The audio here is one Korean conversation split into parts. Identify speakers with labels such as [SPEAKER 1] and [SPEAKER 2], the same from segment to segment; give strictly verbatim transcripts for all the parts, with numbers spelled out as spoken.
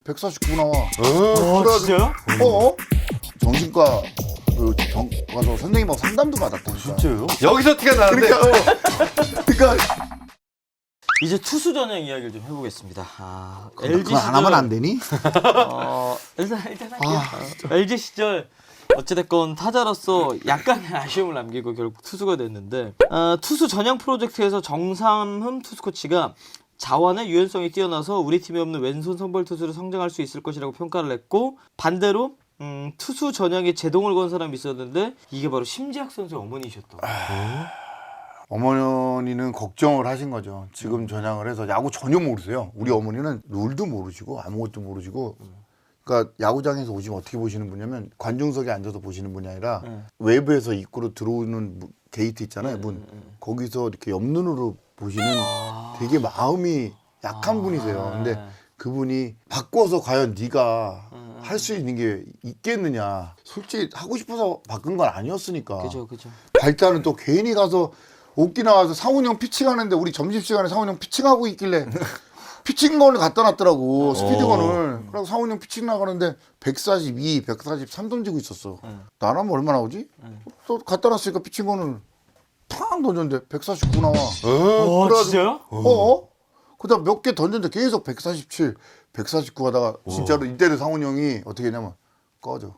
[SPEAKER 1] 백사십구 나와.
[SPEAKER 2] 어, 진짜요?
[SPEAKER 1] 어? 정신과 그 정, 가서 선생님하고 상담도 받았다니까.
[SPEAKER 3] 진짜요? 여기서 티가 나는데.
[SPEAKER 1] 그러니까, 어, 그러니까
[SPEAKER 2] 이제 투수 전형 이야기를 좀 해보겠습니다. 아,
[SPEAKER 1] 그거
[SPEAKER 2] 엘지
[SPEAKER 1] 안 하면 안
[SPEAKER 2] 시절,
[SPEAKER 1] 되니?
[SPEAKER 2] 어, 일단 일단 할게요. 어, 엘지 시절 어찌됐건 타자로서 약간의 아쉬움을 남기고 결국 투수가 됐는데 어, 투수 전형 프로젝트에서 정삼흠 투수 코치가 자완의 유연성이 뛰어나서 우리 팀에 없는 왼손 선발 투수로 성장할 수 있을 것이라고 평가를 했고 반대로 음, 투수 전형에 제동을 건 사람이 있었는데 이게 바로 심지학 선수의 어머니셨다.
[SPEAKER 1] 어머니는 걱정을 하신 거죠. 지금 전향을 해서 야구 전혀 모르세요. 우리 어머니는 룰도 모르시고 아무것도 모르시고 그러니까 야구장에서 오시면 어떻게 보시는 분이냐면 관중석에 앉아서 보시는 분이 아니라
[SPEAKER 2] 네.
[SPEAKER 1] 외부에서 입구로 들어오는 무- 게이트 있잖아요. 문. 거기서 이렇게 옆눈으로 보시는 되게 마음이 약한 분이세요. 근데 그분이 바꿔서 과연 네가 할 수 있는 게 있겠느냐. 솔직히 하고 싶어서 바꾼 건 아니었으니까.
[SPEAKER 2] 그죠, 그죠.
[SPEAKER 1] 발단은 또 괜히 가서 오키나와서 상훈이 형 피칭하는데 우리 점심시간에 상훈이 형 피칭하고 있길래 피칭건을 갖다 놨더라고. 스피드건을. 그래서 상훈이 형 피칭 나가는데 백사십이, 백사십삼 던지고 있었어. 나라면 얼마나 오지? 또 갖다 놨으니까 피칭건을 팡 던졌는데 백사십구 나와.
[SPEAKER 2] 어,
[SPEAKER 1] 그래가지고
[SPEAKER 2] 진짜요?
[SPEAKER 1] 어? 그다음 몇 개 던졌는데 계속 백사십칠, 백사십구 하다가 진짜로 이때는 상훈이 형이 어떻게 했냐면 꺼져.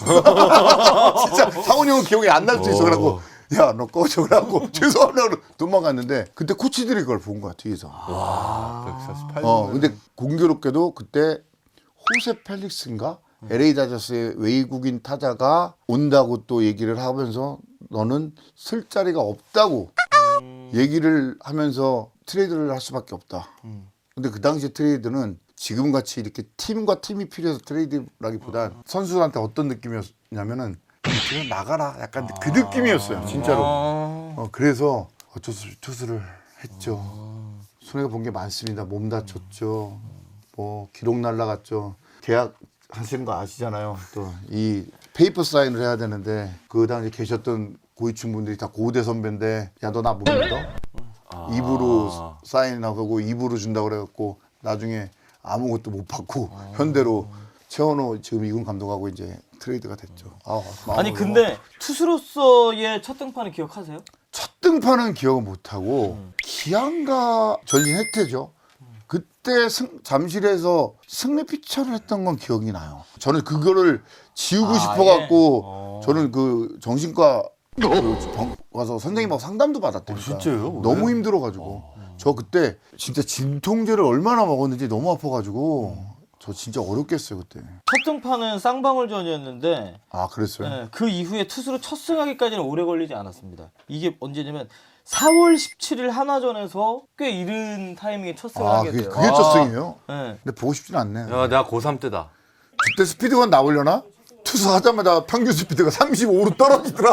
[SPEAKER 1] 진짜 상훈이 형은 기억이 안 날 수 있어. 그래갖고 야 너 꺼져. 그래갖고 죄송하다고 도망갔는데 그때 코치들이 그걸 본 거야 뒤에서.
[SPEAKER 3] 백사십팔.
[SPEAKER 1] 어 근데 공교롭게도 그때 호세 펠릭스인가 엘에이 다저스의 외국인 타자가 온다고 또 얘기를 하면서 너는 쓸 자리가 없다고 얘기를 하면서 트레이드를 할 수밖에 없다. 근데 그 당시 트레이드는 지금 같이 이렇게 팀과 팀이 필요해서 트레이드라기보단 선수들한테 어떤 느낌이었냐면은 그냥 나가라 약간 그 느낌이었어요 진짜로. 어, 그래서 어쩔 수 없이 투수를 했죠. 손해가 본 게 많습니다. 몸 다쳤죠. 뭐 기록 날라갔죠. 계약 하시는 거 아시잖아요. 또 이 페이퍼 사인을 해야 되는데 그 당시 계셨던 고위층 분들이 다 고대 선배인데 야 너 나 못 믿어? 입으로 사인하고 입으로 준다고 그래갖고 나중에 아무것도 못 받고 현대로 최원호 지금 이군 감독하고 이제 트레이드가 됐죠. 아,
[SPEAKER 2] 아니 근데 투수로서의 첫 등판을 기억하세요?
[SPEAKER 1] 첫 등판은 기억을 못하고 기안가 전신 혜태죠. 그때 승, 잠실에서 승리 피처를 했던 건 기억이 나요. 저는 그거를 지우고
[SPEAKER 2] 아,
[SPEAKER 1] 싶어갖고
[SPEAKER 2] 예. 어.
[SPEAKER 1] 저는 그 정신과 그 병 가서 선생님하고 상담도 받았다니까.
[SPEAKER 3] 진짜요?
[SPEAKER 1] 너무
[SPEAKER 3] 왜?
[SPEAKER 1] 힘들어가지고 저 그때 진짜 진통제를 얼마나 먹었는지 너무 아파가지고 저 진짜 어렵겠어요 그때.
[SPEAKER 2] 첫 등판은 쌍방울전이었는데
[SPEAKER 1] 아 그랬어요?
[SPEAKER 2] 네, 그 이후에 투수로 첫 승하기까지는 오래 걸리지 않았습니다. 이게 언제냐면 사월 십칠일 한화전에서 꽤 이른 타이밍에 첫 승을
[SPEAKER 1] 아
[SPEAKER 2] 하게
[SPEAKER 1] 그게,
[SPEAKER 2] 돼요.
[SPEAKER 1] 그게 첫 승이에요?
[SPEAKER 2] 네.
[SPEAKER 1] 근데 보고 싶진 않네.
[SPEAKER 3] 야, 내가 고삼 때다.
[SPEAKER 1] 그때 스피드건 나오려나? 투수 하자마자 평균 스피드가 삼십오로 떨어지더라.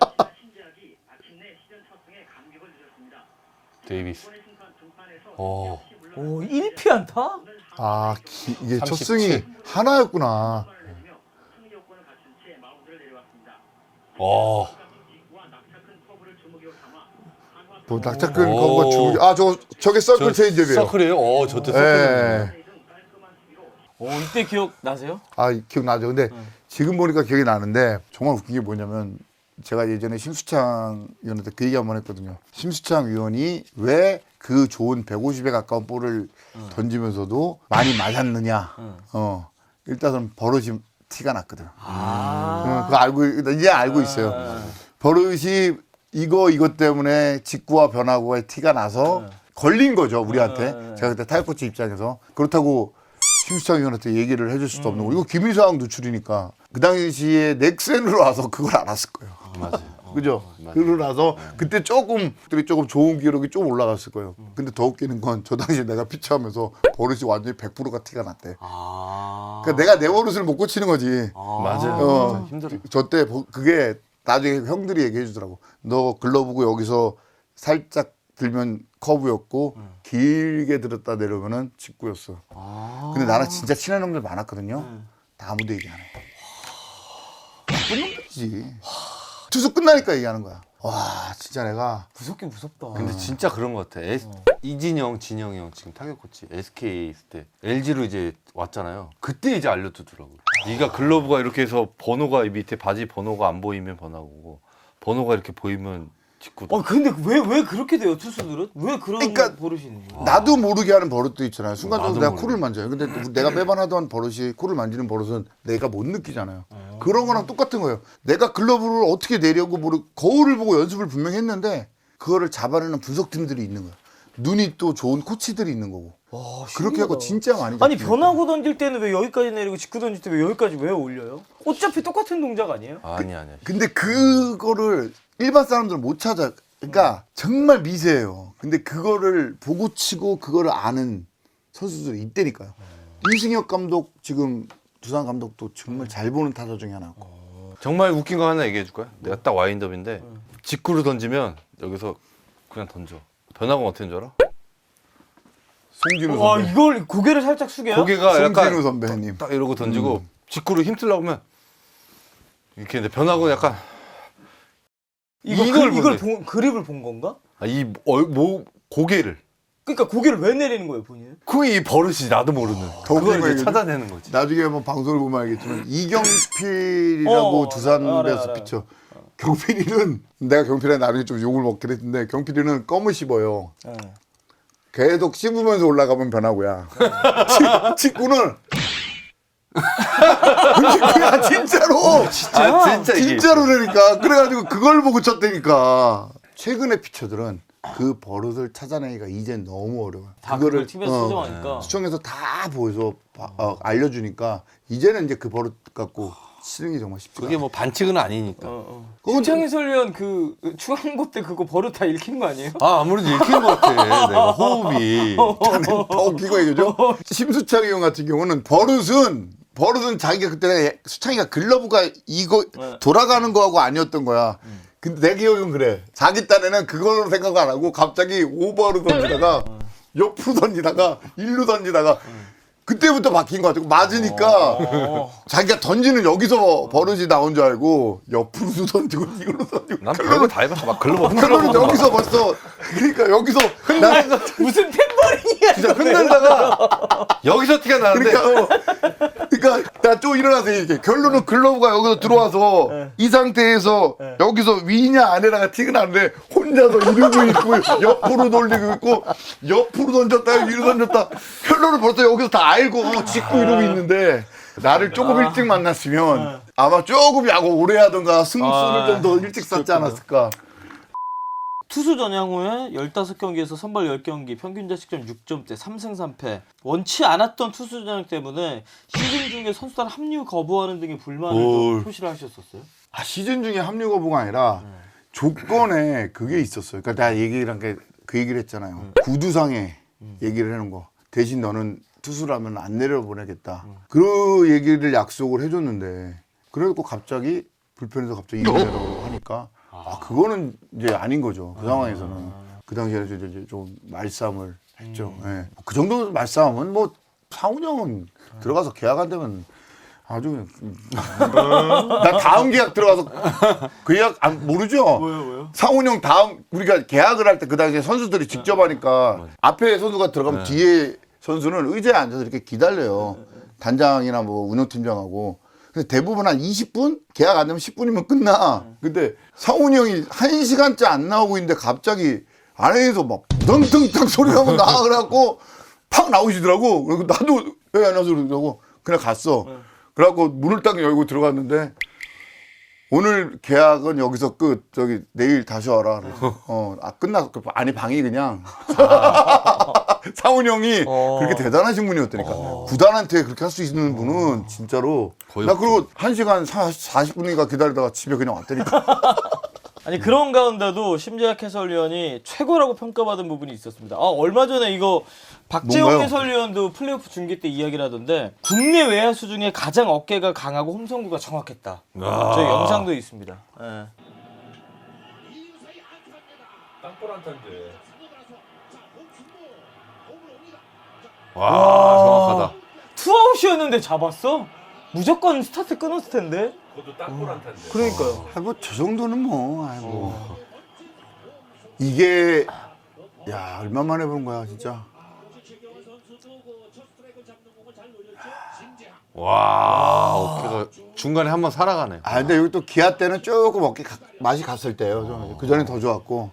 [SPEAKER 3] 데이비스. 어.
[SPEAKER 2] 오, 일 피 안타?
[SPEAKER 1] 아 기, 이게 첫
[SPEAKER 3] 삼십칠.
[SPEAKER 1] 승이 하나였구나.
[SPEAKER 3] 어.
[SPEAKER 1] 뭐 낙차끈
[SPEAKER 3] 오.
[SPEAKER 1] 거가 주고 아저 저게 서클 체인지업이에요.
[SPEAKER 3] 서클이에요? 어, 저때 서클.
[SPEAKER 1] 예.
[SPEAKER 2] 오, 이때 기억 나세요?
[SPEAKER 1] 아 기억나죠. 근데 지금 보니까 기억이 나는데 정말 웃긴 게 뭐냐면 제가 예전에 심수창 위원한테 그 얘기 한번 했거든요. 심수창 위원이 왜 그 좋은 백오십에 가까운 볼을 던지면서도 많이 맞았느냐. 어 일단은 버릇이 티가 났거든.
[SPEAKER 2] 아.
[SPEAKER 1] 어, 그거 알고 이제 알고 있어요. 버릇이 이거 이것 때문에 직구와 변화구의 티가 나서 걸린 거죠 우리한테. 제가 그때 타격 코치 입장에서 그렇다고 심수창 위원한테 얘기를 해줄 수도 없는 거. 이거 김희상 누출이니까 그 당시에 넥센으로 와서 그걸 알았을 거예요.
[SPEAKER 3] 맞아요.
[SPEAKER 1] 그죠? 그러고 나서 그때 조금 들이 조금 좋은 기록이 좀 올라갔을 거예요. 근데 더 웃기는 건 저 당시에 내가 피치하면서 버릇이 완전히 백 퍼센트가 티가 났대.
[SPEAKER 2] 아.
[SPEAKER 1] 그러니까 내가 내 버릇을 못 고치는 거지.
[SPEAKER 3] 맞아요.
[SPEAKER 1] 어.
[SPEAKER 3] 진짜 힘들어.
[SPEAKER 1] 저때 그게 나중에 형들이 얘기해 주더라고. 너 글러브고 여기서 살짝 들면 커브였고 길게 들었다 내려오면은 직구였어.
[SPEAKER 2] 아.
[SPEAKER 1] 근데 나랑 진짜 친한 형들 많았거든요. 다 아무도 얘기 안 해. 나쁜 놈들이지. 투수 끝나니까 얘기하는 거야. 와 진짜 내가
[SPEAKER 2] 무섭긴 무섭다.
[SPEAKER 3] 근데 진짜 그런 것 같아. 에스,
[SPEAKER 2] 어.
[SPEAKER 3] 이진영, 진영이 형 지금 타격 코치 에스케이 있을 때 엘지로 이제 왔잖아요. 그때 이제 알려주더라고. 네가 글러브가 이렇게 해서 번호가 밑에 바지 번호가 안 보이면 번호고 번호가 이렇게 보이면 직구.
[SPEAKER 2] 어 근데 왜 왜 그렇게 돼요 투수들은? 왜 그런
[SPEAKER 1] 그러니까
[SPEAKER 2] 버릇이 있는 거야?
[SPEAKER 1] 나도 모르게 하는 버릇도 있잖아요. 순간적으로
[SPEAKER 3] 나도
[SPEAKER 1] 내가
[SPEAKER 3] 모르게.
[SPEAKER 1] 코를 만져요. 근데 내가 매번 하던 버릇이 코를 만지는 버릇은 내가 못 느끼잖아요. 그런 거랑 똑같은 거예요. 내가 글러브를 어떻게 내려고 모르 거울을 보고 연습을 분명히 했는데 그거를 잡아내는 분석팀들이 있는 거야. 눈이 또 좋은 코치들이 있는 거고.
[SPEAKER 2] 와,
[SPEAKER 1] 그렇게 하고
[SPEAKER 2] 신기하다.
[SPEAKER 1] 진짜 많이
[SPEAKER 2] 아니
[SPEAKER 1] 잡히니까.
[SPEAKER 2] 변화구 던질 때는 왜 여기까지 내리고 직구 던질 때 왜 여기까지 왜 올려요? 어차피 똑같은 동작 아니에요?
[SPEAKER 3] 아니 아니야.
[SPEAKER 1] 근데 그거를 일반 사람들은 못 찾아. 그러니까 정말 미세해요. 근데 그거를 보고 치고 그거를 아는 선수들이 있다니까요. 이승엽 감독 지금 두산 감독도 정말 잘 보는 타자 중에 하나고.
[SPEAKER 3] 정말 웃긴 거 하나 얘기해 줄 거야? 내가 딱 와인드업인데 직구를 던지면 여기서 그냥 던져. 변화가 어떻게 줄 알아?
[SPEAKER 1] 송진우
[SPEAKER 2] 와
[SPEAKER 1] 선배.
[SPEAKER 2] 이걸 고개를 살짝 숙여요?
[SPEAKER 3] 고개가
[SPEAKER 1] 송진우
[SPEAKER 3] 약간
[SPEAKER 1] 선배님.
[SPEAKER 3] 딱 이러고 던지고 직구를 힘쓰려고 하면 이렇게 근데 변화가 약간
[SPEAKER 2] 이거
[SPEAKER 3] 이걸
[SPEAKER 2] 그, 이걸
[SPEAKER 3] 보네.
[SPEAKER 2] 본, 그립을 본 건가?
[SPEAKER 3] 아, 이 얼, 뭐, 고개를
[SPEAKER 2] 그러니까 고개를 왜 내리는 거예요 본인은?
[SPEAKER 3] 그게 이 버릇이 나도 모르는
[SPEAKER 1] 더 웃긴
[SPEAKER 3] 그걸
[SPEAKER 1] 거
[SPEAKER 3] 이제
[SPEAKER 1] 얘기해줘?
[SPEAKER 3] 찾아내는 거지.
[SPEAKER 1] 나중에 한번 방송을 보면 알겠지만 이경필이라고
[SPEAKER 2] 어,
[SPEAKER 1] 두산
[SPEAKER 2] 알아요,
[SPEAKER 1] 베어스
[SPEAKER 2] 알아요.
[SPEAKER 1] 피쳐. 경필이는 내가 경필이한테 나중에 좀 욕을 먹긴 했는데 경필이는 껌을 씹어요.
[SPEAKER 2] 네.
[SPEAKER 1] 계속 씹으면서 올라가면 변하고야. 치- 직구는 직구야 진짜로.
[SPEAKER 3] 아 진짜 이게
[SPEAKER 1] 진짜로 그러니까 그래가지고 그걸 보고 쳤다니까. 최근의 피처들은 그 버릇을 찾아내기가 이젠 너무 어려워요.
[SPEAKER 2] 다 그걸 티비에서
[SPEAKER 1] 어,
[SPEAKER 2] 수정하니까.
[SPEAKER 1] 수청에서 다 보여서 바- 어, 알려주니까 이제는 이제 그 버릇 갖고 치는 게 정말 쉽지.
[SPEAKER 3] 그게 뭐 반칙은 아니니까.
[SPEAKER 2] 어, 어.
[SPEAKER 1] 그건
[SPEAKER 2] 신창희 설위원 그 중앙고 때 그거 버릇 다 읽힌 거 아니에요?
[SPEAKER 3] 아 아무래도 읽힌 것 같아. 내가 호흡이.
[SPEAKER 1] 더 웃기고 얘기죠. 심수창이 형 같은 경우는 버릇은 버릇은 자기가 그때 수창이가 글러브가 이거
[SPEAKER 2] 네.
[SPEAKER 1] 돌아가는 거하고 아니었던 거야. 근데 내 기억은 그래. 자기 딴에는 그걸로 생각 안 하고 갑자기 오버로 던지다가 옆으로 던지다가 일루 던지다가 그때부터 바뀐 것 같고 맞으니까
[SPEAKER 2] 어.
[SPEAKER 1] 자기가 던지는 여기서 버릇이 나온 줄 알고 옆으로도 던지고 이걸로 던지고
[SPEAKER 3] 난 별거 다 해봤어. 막 글러브
[SPEAKER 1] 그러면
[SPEAKER 3] 흔들어.
[SPEAKER 1] 여기서 벌써 그러니까 여기서 나
[SPEAKER 2] 무슨 템버링이야?
[SPEAKER 3] 진짜 흔들다가 여기서 티가 나는데
[SPEAKER 1] 그러니까 어, 그러니까 나 또 일어나서 이렇게 결론은 글러브가 여기서 들어와서 이 상태에서 여기서 위냐 아래냐가 티가 나는데 혼자서 이러고 있고 옆으로 돌리고 있고 옆으로 던졌다 위로 던졌다 결론은 벌써 여기서 다 알고 어, 짓고 이러고 있는데 나를 조금 일찍 만났으면 아마 조금 야구 오래 하던가 승수를
[SPEAKER 2] 아,
[SPEAKER 1] 좀 더 일찍 쌓지 않았을까.
[SPEAKER 2] 투수 전향 후에 십오 경기에서 선발 십 경기 평균 자책점 육 점대 삼 승 삼 패. 원치 않았던 투수 전향 때문에 시즌 중에 선수단 합류 거부하는 등의 불만을 좀
[SPEAKER 3] 올.
[SPEAKER 2] 표시를 하셨었어요.
[SPEAKER 1] 아, 시즌 중에 합류 거부가 아니라 조건에 그게 있었어요. 그러니까 내가 얘기를 한 게 그 얘기를 했잖아요. 구두상에 얘기를 해놓은 거. 대신 너는 투수라면 안 내려보내겠다. 그 얘기를 약속을 해줬는데 그래갖고 갑자기 불펜에서 갑자기 이러라고 하니까 아 그거는 이제 아닌 거죠. 그 상황에서는. 그 당시에 이제 이제 좀 말싸움을 했죠. 예. 그 정도 말싸움은 뭐 상훈형은 들어가서 계약 안 되면 아주 나 다음 계약 들어가서 그 계약 안 모르죠.
[SPEAKER 2] 뭐요, 뭐요?
[SPEAKER 1] 상훈형 다음 우리가 계약을 할 때 그 당시에 선수들이 직접 하니까 앞에 선수가 들어가면 뒤에 선수는 의자에 앉아서 이렇게 기다려요. 단장이나 뭐 운영팀장하고. 근데 대부분 한 이십 분? 계약 안 되면 십 분이면 끝나. 근데 상훈이 형이 한 시간째 안 나오고 있는데 갑자기 안에서 막 덩덩덩 소리가 막 나와 그래갖고 팍 나오시더라고. 그리고 나도 왜 안 와서 그러고 그냥 갔어. 그래갖고 문을 딱 열고 들어갔는데 오늘 계약은 여기서 끝. 저기 내일 다시 와라. 그래서 어, 아 끝났어. 아니 방이 그냥 상훈 형이
[SPEAKER 2] 어.
[SPEAKER 1] 그렇게 대단하신 분이었다니까. 구단한테 그렇게 할 수 있는 분은 진짜로.
[SPEAKER 3] 거의
[SPEAKER 1] 나 그리고 한 시간 사십 분인가 기다리다가 집에 그냥 왔다니까.
[SPEAKER 2] 아니 그런 가운데도 심재학 해설위원이 최고라고 평가받은 부분이 있었습니다. 아 얼마 전에 이거 박재홍
[SPEAKER 1] 뭔가요?
[SPEAKER 2] 해설위원도 플레이오프 중계 때 이야기를 하던데 국내 외야수 중에 가장 어깨가 강하고 홈성구가 정확했다.
[SPEAKER 3] 아.
[SPEAKER 2] 저희 영상도 있습니다. 예.
[SPEAKER 3] 땅볼 안타인데. 와, 정확하다.
[SPEAKER 2] 투아웃이었는데 잡았어? 무조건 스타트 끊었을 텐데.
[SPEAKER 3] 그것도 땅볼한타인데.
[SPEAKER 2] 그러니까요.
[SPEAKER 1] 아, 뭐 저 정도는 뭐 아이고 이게 야 얼마 만에 보는 거야 진짜.
[SPEAKER 3] 와, 어깨가 중간에 한번 살아가네.
[SPEAKER 1] 아 근데 여기 또 기아 때는 조금 어깨 가- 맛이 갔을 때요. 그 전에 더 좋았고.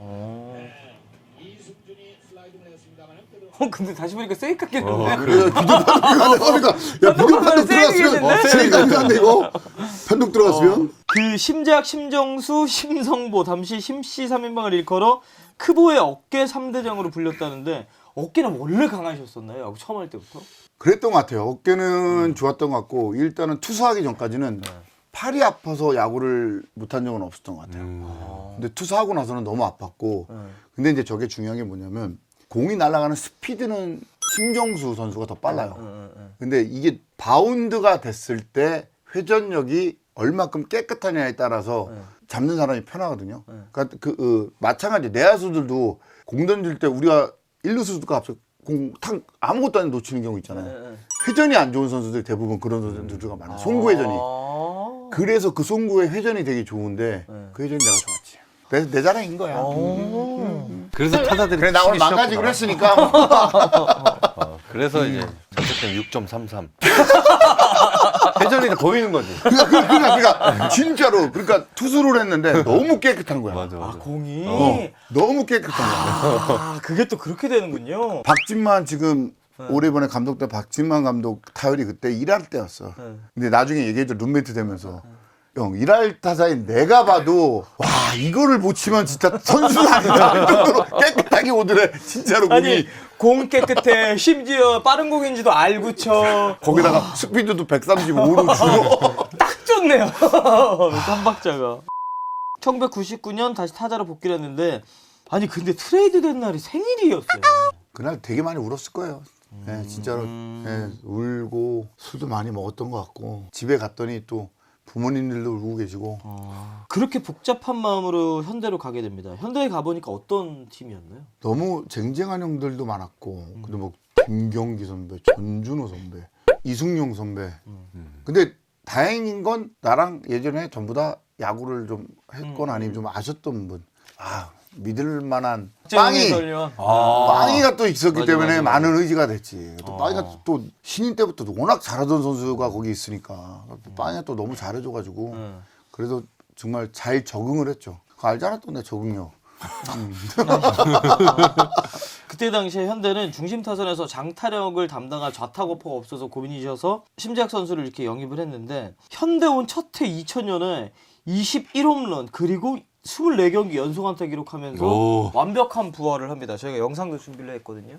[SPEAKER 2] 어, 근데 다시 보니까 세이카 깼는데.
[SPEAKER 3] 어,
[SPEAKER 1] 그래 비디오 판독 그러니까 야 비디오 판독 들어갔으면
[SPEAKER 2] 어,
[SPEAKER 1] 세이까지 한데 이거 판독 들어갔으면
[SPEAKER 2] 그 심재학, 심정수, 심성보 잠시 심씨 삼 인방을 일컬어 크보의 어깨 삼 대장으로 불렸다는데 어깨는 원래 강하셨었나요? 야구 처음 할 때부터?
[SPEAKER 1] 그랬던 것 같아요. 어깨는 좋았던 것 같고 일단은 투수하기 전까지는 팔이 아파서 야구를 못한 적은 없었던 것 같아요.
[SPEAKER 3] 음.
[SPEAKER 1] 근데 투수하고 나서는 너무 아팠고
[SPEAKER 2] 네.
[SPEAKER 1] 근데 이제 저게 중요한 게 뭐냐면 공이 날아가는 스피드는 심정수 선수가 더 빨라요. 근데 이게 바운드가 됐을 때 회전력이 얼마큼 깨끗하냐에 따라서 잡는 사람이 편하거든요. 그러니까 그 어, 마찬가지 내야수들도 공 던질 때 우리가 일루수가 앞서 공탁 아무것도 안 놓치는 경우 있잖아요. 회전이 안 좋은 선수들 대부분 그런 선수들가 많아요. 송구 회전이.
[SPEAKER 2] 아~
[SPEAKER 1] 그래서 그 송구의 회전이 되게 좋은데 그 회전이 내가 좋았지. 내, 내 자랑인 거야.
[SPEAKER 3] 그래서 타자들이
[SPEAKER 1] 그래 나 오늘
[SPEAKER 3] 치기
[SPEAKER 1] 망가지기로
[SPEAKER 3] 싫었구나.
[SPEAKER 1] 했으니까
[SPEAKER 3] 어, 그래서 이제 자책점 육 점 삼삼. 회전이 다 보이는 거지.
[SPEAKER 1] 그러니까, 그러니까, 그러니까 진짜로 그러니까 투수를 했는데 너무 깨끗한 거야.
[SPEAKER 3] 맞아,
[SPEAKER 2] 아,
[SPEAKER 3] 맞아.
[SPEAKER 2] 공이.
[SPEAKER 1] 어, 너무 깨끗한 거야.
[SPEAKER 2] 아, 그게 또 그렇게 되는군요.
[SPEAKER 1] 박진만 지금 올해 이번에 감독 때 박진만 감독 타율이 그때 일할 때였어.
[SPEAKER 2] 네.
[SPEAKER 1] 근데 나중에 얘기해줘 룸메이트 되면서 형 일할 타자인 내가 봐도 와 이거를 못 치면 진짜 선수가 아니다. 이 정도로 깨끗하게 오더래. 진짜로 공이.
[SPEAKER 2] 아니, 공 깨끗해. 심지어 빠른 공인지도 알고 쳐.
[SPEAKER 1] 거기다가 스피드도 백삼십오로 주고.
[SPEAKER 2] 딱 좋네요. 삼박자가. 천구백구십구 년 다시 타자로 복귀를 했는데 아니 근데 트레이드 된 날이 생일이었어요.
[SPEAKER 1] 그날 되게 많이 울었을 거예요. 예, 진짜로 예, 울고 술도 많이 먹었던 것 같고 집에 갔더니 또 부모님들도 울고 계시고
[SPEAKER 2] 그렇게 복잡한 마음으로 현대로 가게 됩니다. 현대에 가보니까 어떤 팀이었나요?
[SPEAKER 1] 너무 쟁쟁한 형들도 많았고 근데 뭐 김경기 선배, 전준호 선배, 이승용 선배. 근데 다행인 건 나랑 예전에 전부 다 야구를 좀 했거나 아니면 좀 아셨던 분. 아 믿을 만한 빵이
[SPEAKER 2] 설련.
[SPEAKER 1] 빵이가 또 있었기
[SPEAKER 2] 맞아,
[SPEAKER 1] 때문에
[SPEAKER 2] 맞아, 맞아.
[SPEAKER 1] 많은 의지가 됐지. 또 빵이가 또 신인 때부터 워낙 잘하던 선수가 거기 있으니까 또 빵이가 또 너무 잘해줘가지고
[SPEAKER 2] 음.
[SPEAKER 1] 그래서 정말 잘 적응을 했죠. 그거 알잖아 또 내 적응력.
[SPEAKER 2] 그때 당시에 현대는 중심 타선에서 장타력을 담당할 좌타거퍼가 없어서 고민이셔서 심재학 선수를 이렇게 영입을 했는데 현대 온 첫 해 이천 년에 이십일 홈런 그리고 이십사 경기 연속 안타 기록하면서
[SPEAKER 3] 오.
[SPEAKER 2] 완벽한 부활을 합니다. 저희가 영상도 준비를 했거든요.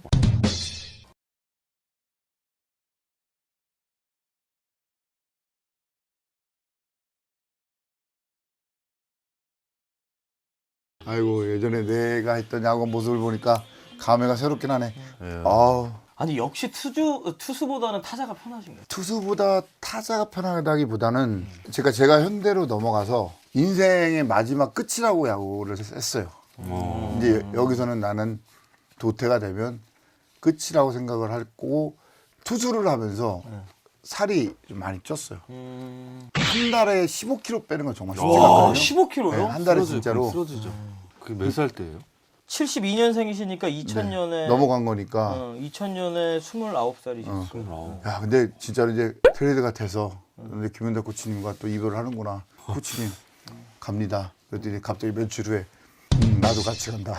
[SPEAKER 1] 아이고 예전에 내가 했던 야구 모습을 보니까 감회가 새롭긴 하네.
[SPEAKER 3] 예.
[SPEAKER 1] 아우.
[SPEAKER 2] 아니 역시 투주 투수보다는 타자가 편하신가요?
[SPEAKER 1] 투수보다 타자가 편하다기보다는 제가 제가 현대로 넘어가서 인생의 마지막 끝이라고 야구를 했어요.
[SPEAKER 3] 어.
[SPEAKER 1] 이제 여기서는 나는 도태가 되면 끝이라고 생각을 하고 투수를 하면서 살이 좀 많이 쪘어요.
[SPEAKER 2] 음...
[SPEAKER 1] 한 달에 십오 킬로그램 빼는 건 정말 쉽지
[SPEAKER 2] 와,
[SPEAKER 1] 않거든요.
[SPEAKER 2] 십오 킬로그램요?
[SPEAKER 1] 네, 한 달에 진짜로
[SPEAKER 3] 쓰러지죠. 그게 몇 살 때예요?
[SPEAKER 2] 칠십이 년생이시니까 이천 년에
[SPEAKER 1] 넘어간 거니까.
[SPEAKER 2] 어, 이천 년에 스물아홉 살이셨어요.
[SPEAKER 1] 어.
[SPEAKER 3] 스물아홉.
[SPEAKER 1] 야 근데 진짜로 이제 트레이드가 돼서 근데 김현대 코치님과 또 이별을 하는구나. 코치님 갑니다. 그랬더니 갑자기 며칠 후에 음, 나도 같이 간다.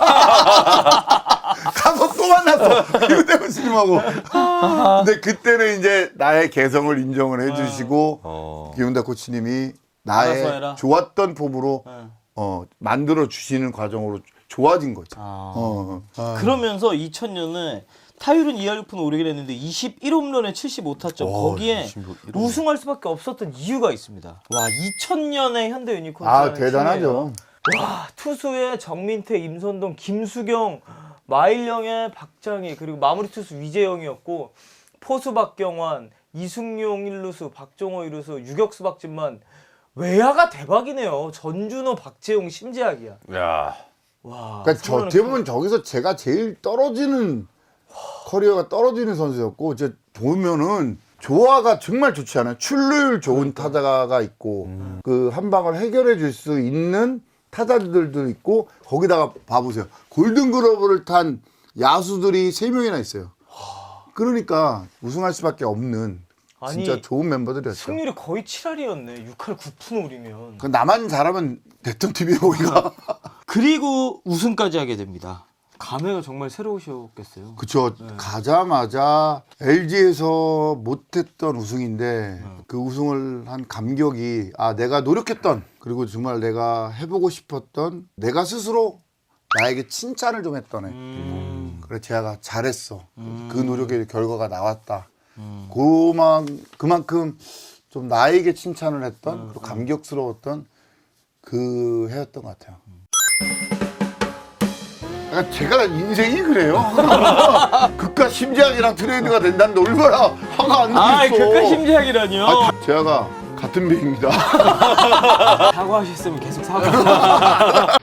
[SPEAKER 1] 가서 또 만났어. 김현대 코치님하고. 근데 그때는 이제 나의 개성을 인정을 해주시고
[SPEAKER 3] 어.
[SPEAKER 1] 김현대 코치님이
[SPEAKER 2] 알아서 해라.
[SPEAKER 1] 나의 좋았던 폼으로
[SPEAKER 2] 네.
[SPEAKER 1] 어, 만들어 주시는 과정으로 좋아진 거죠.
[SPEAKER 2] 아.
[SPEAKER 1] 어, 어.
[SPEAKER 2] 그러면서 이천 년에 타율은 이 할 육 푼 오르긴 했는데 이십일 홈런에 칠십오 타점
[SPEAKER 3] 오,
[SPEAKER 2] 거기에
[SPEAKER 3] 이십일 홈런.
[SPEAKER 2] 우승할 수밖에 없었던 이유가 있습니다. 와 이천 년에 현대 유니콘
[SPEAKER 1] 아 대단하죠.
[SPEAKER 2] 와 투수의 정민태, 임선동, 김수경, 마일령의 박장희 그리고 마무리 투수 위재영이었고 포수 박경환, 이승용 일루수, 박종호 일루수, 유격수 박진만 외야가 대박이네요. 전준호, 박재용, 심재학이야.
[SPEAKER 3] 야.
[SPEAKER 2] 와.
[SPEAKER 1] 그러니까 저
[SPEAKER 2] 서로는
[SPEAKER 1] 대부분 저기서 제가 제일 떨어지는 커리어가 떨어지는 선수였고 이제 보면은 조화가 정말 좋지 않아요? 출루율 좋은 타자가 있고 그 한 방을 해결해 줄 수 있는 타자들도 있고 거기다가 봐보세요. 골든글러브를 탄 야수들이 세 명이나 있어요. 그러니까 우승할 수밖에 없는 진짜
[SPEAKER 2] 아니,
[SPEAKER 1] 좋은 멤버들이었죠.
[SPEAKER 2] 승률이 거의 칠 할이었네. 육 할 구 푼오리면.
[SPEAKER 1] 그 나만 잘하면 됐던 팀이에요 우리가.
[SPEAKER 2] 그리고 우승까지 하게 됩니다. 감회가 정말 새로우셨겠어요.
[SPEAKER 1] 그쵸. 가자마자 엘지에서 못했던 우승인데 그 우승을 한 감격이 아 내가 노력했던 그리고 정말 내가 해보고 싶었던 내가 스스로 나에게 칭찬을 좀 했던 애.
[SPEAKER 2] 음.
[SPEAKER 1] 그래 재하가 잘했어.
[SPEAKER 2] 음.
[SPEAKER 1] 그 노력의 결과가 나왔다. 음. 그만, 그만큼 좀 나에게 칭찬을 했던
[SPEAKER 2] 음.
[SPEAKER 1] 그리고 감격스러웠던 그 해였던 것 같아요. 약간 제가 인생이 그래요. 극과 심지학이랑 트레이드가 된다는데 얼마나 화가 안
[SPEAKER 2] 아,
[SPEAKER 1] 나겠어.
[SPEAKER 2] 극과 심지학이라니요?
[SPEAKER 1] 아, 재하가 같은 배입니다.
[SPEAKER 2] 사과하셨으면 계속 사과.